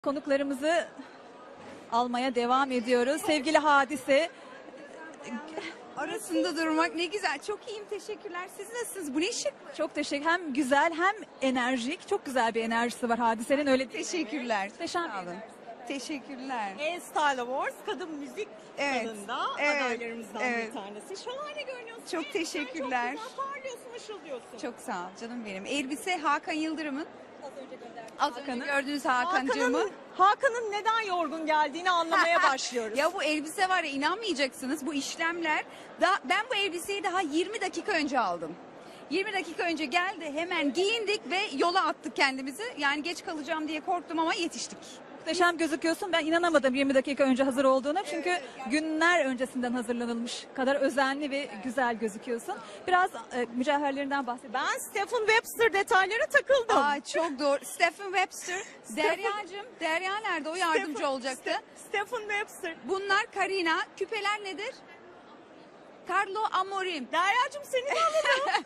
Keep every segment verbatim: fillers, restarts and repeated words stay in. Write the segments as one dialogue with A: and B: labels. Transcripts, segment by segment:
A: Konuklarımızı almaya devam ediyoruz. Sevgili Hadise.
B: Arasında durmak ne güzel. Çok iyiyim, teşekkürler. Siz nasılsınız? Bu ne şık.
A: Çok teşekkür. Hem güzel hem enerjik. Çok güzel bir enerjisi var Hadise'nin, öyle değil mi?
B: Teşekkürler.
A: Muhteşem bir
B: Sağ olun.
A: enerjisi.
B: Teşekkürler.
C: E-Style Awards kadın müzik
B: Evet,
C: dalında
B: evet,
C: adaylarımızdan
B: evet.
C: bir tanesi. Şahane görünüyorsun.
B: Çok
C: Sen
B: teşekkürler.
C: Çok güzel parlıyorsun, ışıldıyorsun.
B: Çok sağ ol canım benim. Elbise Hakan Yıldırım'ın.
A: Az önce gönderdim.
B: Az önce
A: Hakan'ın.
B: gördüğünüz Hakan'cığımı.
C: Hakan'ın, Hakan'ın neden yorgun geldiğini anlamaya başlıyoruz.
B: Ya bu elbise var ya, inanmayacaksınız, bu işlemler. Da, ben bu elbiseyi daha yirmi dakika önce aldım. yirmi dakika önce geldi, hemen giyindik ve yola attık kendimizi. Yani geç kalacağım diye korktum ama yetiştik.
A: Muhteşem gözüküyorsun. Ben inanamadım yirmi dakika önce hazır olduğuna. Çünkü günler öncesinden hazırlanılmış kadar özenli ve güzel gözüküyorsun. Biraz e, mücevherlerinden bahsedelim.
C: Ben Stephen Webster detaylara takıldım.
B: Aa, çok doğru. Stephen Webster. Derya'cığım. Derya nerede? O yardımcı
C: Stephen-
B: olacaktı.
C: Ste- Stephen Webster.
B: Bunlar Karina. Küpeler nedir? Carlo Amorim.
C: Derya'cığım seni de alalım.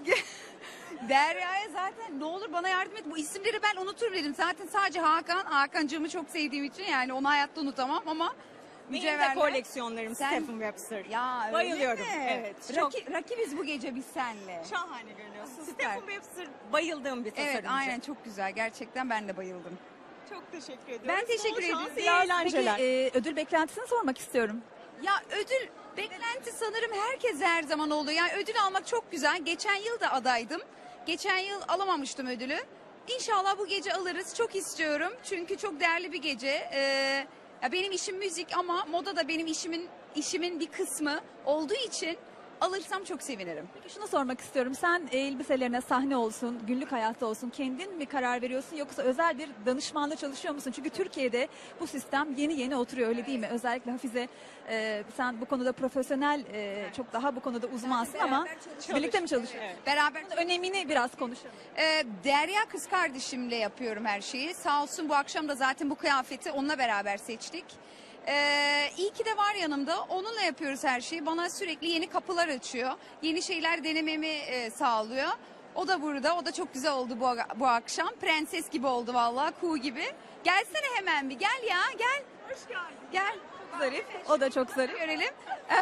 B: Derya'ya zaten ne olur bana yardım et. Bu isimleri ben unutur dedim. Zaten sadece Hakan. Hakan'cığımı çok sevdiğim için yani onu hayatta unutamam ama
C: Benim de
B: mücevherler.
C: koleksiyonlarım
B: Sen-
C: Stephen Webster.
B: Ya öyle
C: Bayılıyorum.
B: mi?
C: Evet. Çok
B: Raki- rakibiz bu gece biz senle.
C: şahane görünüyorsun.
B: Süper.
C: Stephen Webster bayıldığım bir tasarımcı.
B: Evet, aynen, çok güzel. Gerçekten ben de bayıldım.
C: Çok teşekkür ediyorum.
B: Ben teşekkür
C: Bol şans,
B: ediyorum.
C: iyi
A: Biraz
C: eğlenceler.
A: peki e, ödül beklentisini sormak istiyorum.
B: Ya ödül beklenti sanırım herkes her zaman oluyor. Yani ödül almak çok güzel. Geçen yıl da adaydım. Geçen yıl alamamıştım ödülü. İnşallah bu gece alırız. Çok istiyorum. Çünkü çok değerli bir gece. Ee, ya benim işim müzik ama moda da benim işimin işimin bir kısmı olduğu için alırsam çok sevinirim.
A: Peki şunu sormak istiyorum. Sen e, elbiselerine sahne olsun, günlük hayatta olsun kendin mi karar veriyorsun yoksa özel bir danışmanla çalışıyor musun? Çünkü Türkiye'de bu sistem yeni yeni oturuyor, öyle değil mi? Özellikle Hafize, e, sen bu konuda profesyonel, e, çok daha bu konuda uzmansın ama birlikte mi çalışıyorsunuz?
C: Evet.
B: Beraber
A: Önemini biraz konuşalım.
B: Ee, Derya kız kardeşimle yapıyorum her şeyi. Sağ olsun bu akşam da zaten bu kıyafeti onunla beraber seçtik. Ee, iyi ki de var yanımda. Onunla yapıyoruz her şeyi. Bana sürekli yeni kapılar açıyor. Yeni şeyler denememi e, sağlıyor. O da burada. O da çok güzel oldu bu, bu akşam. Prenses gibi oldu vallahi. Kuğu gibi. Gelsene hemen bir. Gel ya, gel.
C: Hoş geldin.
B: Gel.
A: Zarif. O da çok zarif.
B: Görelim.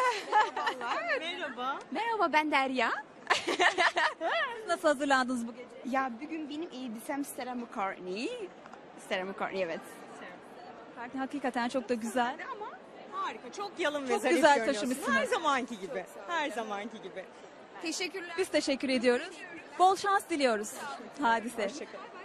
C: Merhaba.
D: Merhaba, ben Derya.
A: Nasıl hazırlandınız bu gece?
D: Ya bugün benim elbisem Sarah McCartney. Sarah McCartney, evet.
A: Hakikaten çok da güzel.
C: Ama harika. Çok yalın ve
A: Çok
C: zarif
A: güzel
C: görünüyorsun.
A: taşımışsınız.
C: Her zamanki gibi. Her zamanki gibi.
B: Teşekkürler.
A: Biz teşekkür ediyoruz. Bol şans diliyoruz Hadise.
C: Hoşçakalın.